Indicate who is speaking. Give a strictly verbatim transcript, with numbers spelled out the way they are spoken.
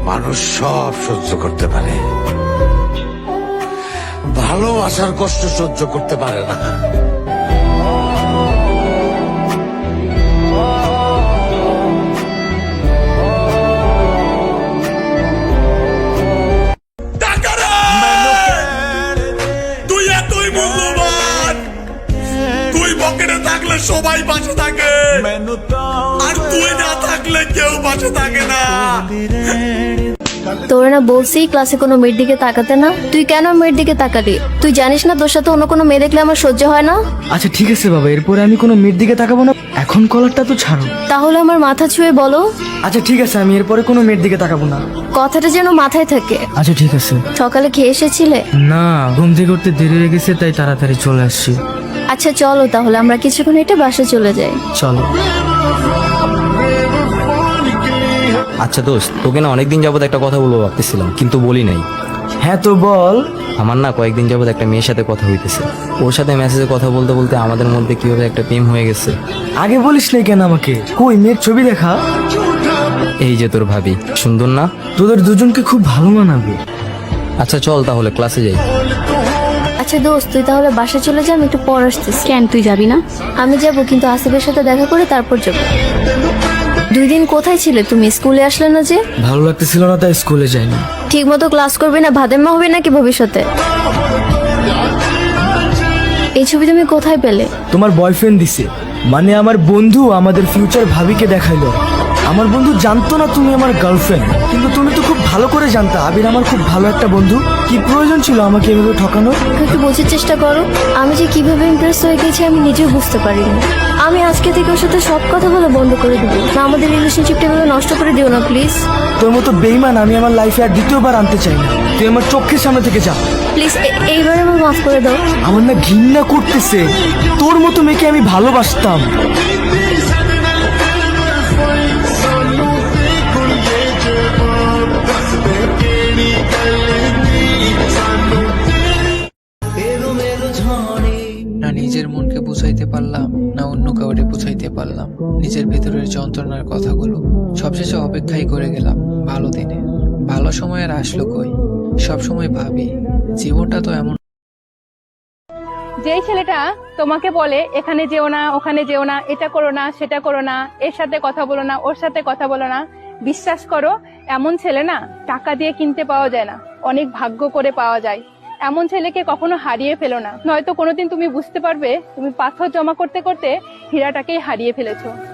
Speaker 1: মানুষ সব সহ্য করতে পারে, ভালোবাসার কষ্ট সহ্য করতে পারে না। তুই এতই মূল্যবান, তুই পকেটে থাকলে সবাই পাশে থাকে, আর তুই না থাকলে কেউ পাশে থাকে না।
Speaker 2: তোর না বলছি ক্লাসে কোনো মেয়ের দিকে তাকাতে না, তুই কেন মেয়ের দিকে তাকালি? তুই জানিস না তোর সাথে অন্য কোনো মেয়ে দেখলে আমার সহ্য হয় না?
Speaker 3: আচ্ছা ঠিক আছে বাবা, এরপরে আমি কোনো মেয়ের দিকে তাকাবো না। এখন কলারটা তো ছাড়ো।
Speaker 2: তাহলে আমার মাথা ছুঁয়ে বলো।
Speaker 3: আচ্ছা ঠিক আছে, আমি এরপরে কোনো মেয়ের দিকে তাকাবো না।
Speaker 2: কথাটা যেন মাথায় থাকে।
Speaker 3: আচ্ছা ঠিক আছে।
Speaker 2: সকালে খেয়ে এসেছিলে?
Speaker 3: না, ঘুম থেকে উঠতে দেরি হয়ে গেছে, তাই তাড়াতাড়ি চলে আসছি।
Speaker 2: আচ্ছা চলো তাহলে আমরা কিছুক্ষণ হেঁটে বাসে চলে যাই।
Speaker 3: চলো।
Speaker 4: আচ্ছা দোস্ত, তোকে না অনেকদিন যাবত একটা কথা বলবো ভাবতেছিলাম, কিন্তু বলি নাই।
Speaker 3: হ্যাঁ তো বল।
Speaker 4: আমার না কয়েকদিন যাবত একটা মেয়ের সাথে কথা হইতেছে। ওর সাথে মেসেজে কথা বলতে বলতে আমাদের মধ্যে কিভাবে একটা প্রেম হয়ে গেছে।
Speaker 3: আগে বলিস নাই কেন আমাকে? কই মেয়ের ছবি দেখা?
Speaker 4: এই যে তোর ভাবি, সুন্দর না?
Speaker 3: তোদের দুজনকে খুব ভালো মানাবে।
Speaker 4: আচ্ছা চল তাহলে ক্লাসে যাই।
Speaker 2: আচ্ছা দোস্ত তুই তাহলে বাসে চলে যা, আমি একটু পর আসতেছি।
Speaker 5: কেন তুই যাবি না?
Speaker 2: আমি যাব, কিন্তু আসিফের সাথে দেখা করে তারপর যাব। দুই দিন কোথায় ছিলে তুমি? স্কুলে আসলে না যে?
Speaker 3: ভালো লাগতেছিল না তাই স্কুলে যাইনি।
Speaker 2: ঠিক মতো ক্লাস করবে না, ভাদেম্মা হবে নাকি ভবিষ্যতে? এই ছবি তুমি কোথায় পেলে?
Speaker 3: তোমার বয়ফ্রেন্ড দিছে, মানে আমার বন্ধু আমাদের ফিউচার ভাবিকে দেখাইলো। আমার বন্ধু জানতো না তুমি আমার গার্লফ্রেন্ড, কিন্তু তুমি তো খুব ভালো করে জানতা আবির আমার খুব ভালো একটা বন্ধু। কি প্রয়োজন ছিল আমাকে এভাবে ঠকানোর?
Speaker 2: একটু বোঝার চেষ্টা করো, আমি যে কিভাবে ইমপ্রেস হয়ে গেছি আমি নিজেও বুঝতে পারিনি। আমি আজকে থেকে ওর সাথে সব কথা বলে বন্ধ করে দেবো না, আমাদের রিলেশনশিপটা এভাবে নষ্ট করে দিও না প্লিজ।
Speaker 3: তোর মতো বেইমান আমি আমার লাইফে আর দ্বিতীয়বার আনতে চাই না। তুই আমার চোখের সামনে থেকে যা
Speaker 2: প্লিজ, এইবার আমার মাফ করে দাও।
Speaker 3: আমার না ঘৃণা করতেছে, তোর মতো মেয়েকে আমি ভালোবাসতাম।
Speaker 6: না নিজের মনকে বুঝাইতে পারলাম, না অন্য কাউরে বুঝাইতে পারলাম নিজের ভেতরের যন্ত্রণার কথাগুলো। সবশেষে অপেক্ষাই করে গেলাম ভালো দিনে। ভালো সময় আর আসলো কই? সব সময় ভাবি জীবনটা তো এমন।
Speaker 7: যেই ছেলেটা তোমাকে বলে এখানে যেও না, ওখানে যেও না, এটা করো না, সেটা করো না, এর সাথে কথা বলো না, ওর সাথে কথা বলো না, বিশ্বাস করো এমন ছেলে না টাকা দিয়ে কিনতে পাওয়া যায় না, অনেক ভাগ্য করে পাওয়া যায়। এমন ছেলেকে কখনো হারিয়ে ফেলো না, নয়তো কোনোদিন তুমি বুঝতে পারবে তুমি পাথর জমা করতে করতে হীরাটাকেই হারিয়ে ফেলেছো।